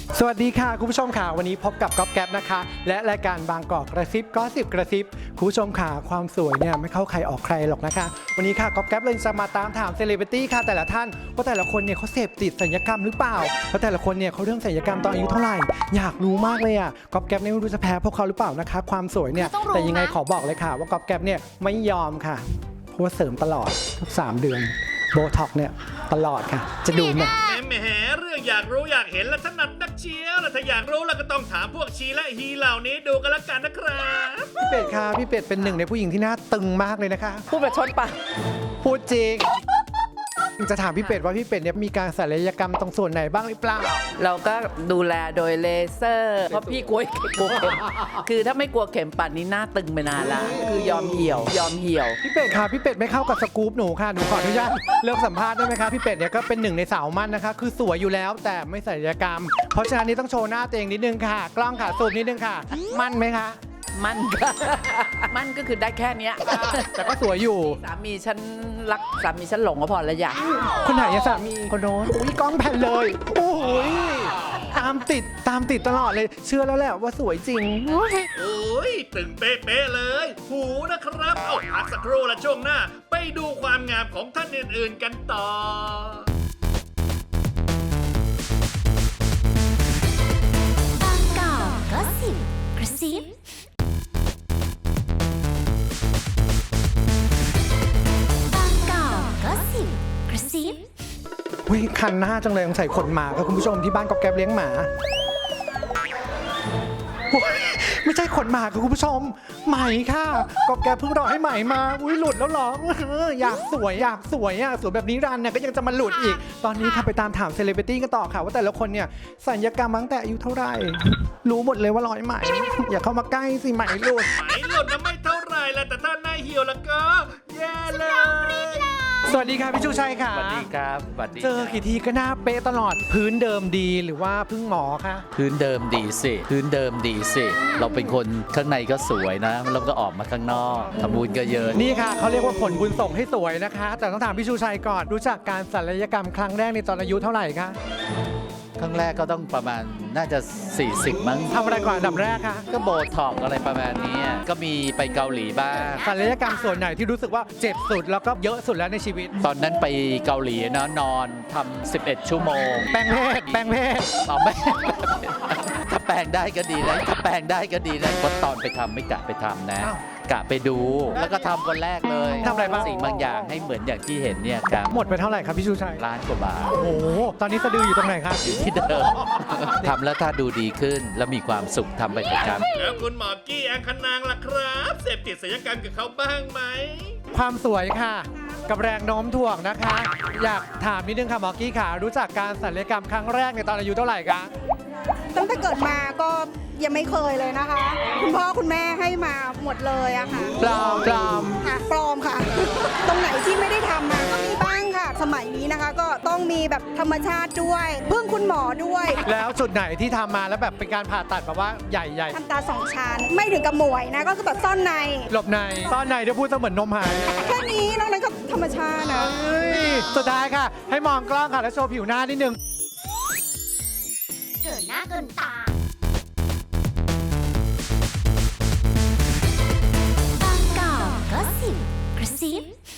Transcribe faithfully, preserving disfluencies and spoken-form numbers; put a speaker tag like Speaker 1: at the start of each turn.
Speaker 1: สวัสดีค่ะคุณผู้ชมค่ะวันนี้พบกับก๊อฟแก๊ปนะคะและรายการบางกอกกระซิบก็สิบกระซิบคุณผู้ชมค่ะความสวยเนี่ยไม่เข้าใครออกใครหรอกนะคะวันนี้ค่ะก๊อฟแก๊ปเลยจะมาตามถามเซเลบริตี้ค่ะแต่ละท่านว่าแต่ละคนเนี่ยเขาเสพติดศัลยกรรมหรือเปล่าแล้วแต่ละคนเนี่ยเขาเรื่องศัลยกรรมตอนอายุเท่าไหร่อยากรู้มากเลยอ่ะก๊อฟแก๊ปเนี่ยไม่รู้จะแพ้พวกเขาหรือเปล่านะคะความสวยเนี่ยแต่ยังไงขอบอกเลยค่ะว่าก๊อฟแก๊ปเนี่ยไม่ยอมค่ะเพราะว่าเสริมตลอดทุกสามเดือนโบท็อกเนี่ยตลอดค่ะจะดูเนี่ย
Speaker 2: แหมเรื่องอยากรู้อยากเห็นและถนัดนักเชียวแล้วถ้าอยากรู้แล้วก็ต้องถามพวกชีและฮีเหล่านี้ดูกันละกันนะครับ
Speaker 1: พี่เป็ดค่ะพี่เป็ดเป็นหนึ่งในผู้หญิงที่หน้าตึงมากเลยนะคะ
Speaker 3: พูดแบบชนปะ
Speaker 1: พูดจริง จะถามพี่เป็ดว่าพี่เป็ดเนี่ยมีการศัลยกรรมตรงส่วนไหนบ้างหรือเปล่า
Speaker 3: เราก็ดูแลโดยเลเซอร์เพราะพี่กลัวกลัวเข็มคือถ้าไม่กลัวเข็มปัดนี้หน้าตึงไปนานละคือยอมเหี่ยวยอมเหี่ยว
Speaker 1: พี่เป็ดค่ะพี่เป็ดไม่เข้ากับสกู๊ปหนูค่ะหนูขออนุญาตเลิกสัมภาษณ์ได้ไหมคะพี่เป็ดเนี่ยก็เป็นหนึ่งในสาวมั่นนะคะคือสวยอยู่แล้วแต่ไม่ศัลยกรรม เพราะฉะนั้นนี่ต้องโชว์หน้าตัวเองนิดนึงค่ะ กล้องค่ะซูมนิดนึงค่ะ มั่นไหมคะ
Speaker 3: มั่นก็มั่นก็คือได้แค่เนี้ย
Speaker 1: แต่ก็สวยอยู่
Speaker 3: สามีฉันรักสามีฉันหลงก็พอแล้วอยาก
Speaker 1: คนไหนอะสามีคนโน้นอุ้ยกล้องแผ่นเลยโอ้ยตามติดตามติดตลอดเลย เชื่อแล้วแหละว่าสวยจริง
Speaker 2: โอ้ยตึงเป๊ะๆเลย หูนะครับ เอาพักสักครู่ละช่วงหน้า ไปดูความงามของท่านอื่นๆกันต่อ
Speaker 4: บางกอกก็สิบกระซิบางกอกก็สิบกระซิบ
Speaker 1: วิคันหน้าจังเลยสงสัยขนหมาค่ะคุณผู้ชมที่บ้านก๊อฟแก๊ปเลี้ยงหมาโอ๊ยไม่ใช่ขนหมาค่ะคุณผู้ชมไหมค่ะก๊อฟแก๊ปเพิ่งรอให้ไหมมาอุ้ยหลุดแล้วเหรอเอออยากสวยอยากสวยอ่ะสวยแบบนี้รันเนี่ยก็ยังจะมาหลุดอีก ตอนนี้ค่ะไปตามถามเซเลบริตี้กันต่อค่ะว่าแต่ละคนเนี่ยศัลยกรรมมาตั้งแต่อายุเท่าไหร่รู้หมดเลยว่าร้อยไหมอย่าเข้ามาใกล้สิไหมหลุด
Speaker 2: ไหมหล่นนะไม่เท่าไหรแล้วแต่ถ้าหน้าเหี่ยวแล้วก็แย่เลย
Speaker 1: สวัสดีค่ะพี่ชูชัยค่ะ
Speaker 5: สวัสดีครับสวัสดี
Speaker 1: เจอกี่ทีก็หน้าเป๊ะตลอดพื้นเดิมดีหรือว่าพึ่งหมอคะ
Speaker 5: พื้นเดิมดีสิ พื้นเดิมดีสิ เราเป็นคนข้างในก็สวยนะแล้วก็ออกมาข้างนอกทำบุญก็เยอะ
Speaker 1: นี่ค่ะเขาเรียกว่าผลบุญส่งให้สวยนะคะ แต่ต้องถามพี่ชูชัยก่อนรู้จักการศัลยกรรมครั้งแรกในตอนอายุเท่าไหร่คะ
Speaker 5: ครั้งแรกก็ต้องประมาณน่าจะ สี่สิบ มั้ง
Speaker 1: ทำอะไรก่อนอันดับแรกคะ
Speaker 5: ก็โบท็อกซ์อะไรประมาณนี้ก็มีไปเกาหลีบ้าง
Speaker 1: ศัลยกรรมส่วนไหนที่รู้สึกว่าเจ็บสุดแล้วก็เยอะสุดแล้วในชีวิต
Speaker 5: ตอนนั้นไปเกาหลีนะนอนทำสิบเอ็ด ชั่วโมง
Speaker 1: แปลงเพศแปลงเพศ
Speaker 5: เอาไม่ ถ้าแปลงได้ก็ดีนะถ้าแปลงได้ก็ดีนะเพราะตอนไปทำไม่กะไปทำนะ กะไปดูแล้วก็ทำคนแรกเลย
Speaker 1: ทำอะไรบ้าง
Speaker 5: สิ่งบางอย่างให้เหมือนอย่างที่เห็นเนี่ยครับ
Speaker 1: หมดไปเท่าไหร่ครับพี่ชูชัย
Speaker 5: ล้านกว่าบาท
Speaker 1: โอ้โหตอนนี้สะดืออยู่ตรงไหนครับ
Speaker 5: อยู่ที่เดิม ทำแล้วถ้าดูดีขึ้นแล้วมีความสุขทำไปประจำ
Speaker 2: แล้วคุณหมอกี้แองคณางล่ะครับ เสพติดศัลยกรรมกับเขาบ้างไหม
Speaker 1: ความสวยค่ะ กับแรงโน้มถ่วงนะคะ อยากถามนิดนึงค่ะหมอกี้ค่ะ รู้จักการศัลยกรรมครั้งแรกในตอนอายุเท่าไหร่คะ
Speaker 6: ตั้งแต่เกิดมาก็ยังไม่เคยเลยนะคะ คุณพ่อคุณแม่ให้มาหมดเลยอะค่ะ
Speaker 1: ปลอมปลอม
Speaker 6: ค่ะปลอมค่ะ ตรงไหนที่ไม่ได้ทำมาก็มีบ้างค่ะ สมัยนี้นะคะก็ต้องมีแบบธรรมชาติด้วยพึ่งคุณหมอด้วย
Speaker 1: แล้วจุดไหนที่ทำมาแล้วแบบเป็นการผ่าตัดแบบว่าใหญ่ใหญ่
Speaker 6: ทำตาสองชั้นไม่ถึงกับหมวยนะก็คือแบบซ่อนใน
Speaker 1: หลบในซ่อนในเดี๋ยวพูดเสมือนนมหาย
Speaker 6: แค่นี้นอกนั้นก็ธรรมชาตินะ
Speaker 1: เฮ้ยสุดท้ายค่ะ ให้มองกล้องค่ะ แล้วโชว์ผิวหน้านิดนึง
Speaker 4: เกินหน้าเกินตา บางกอกก็สิบกระซิบ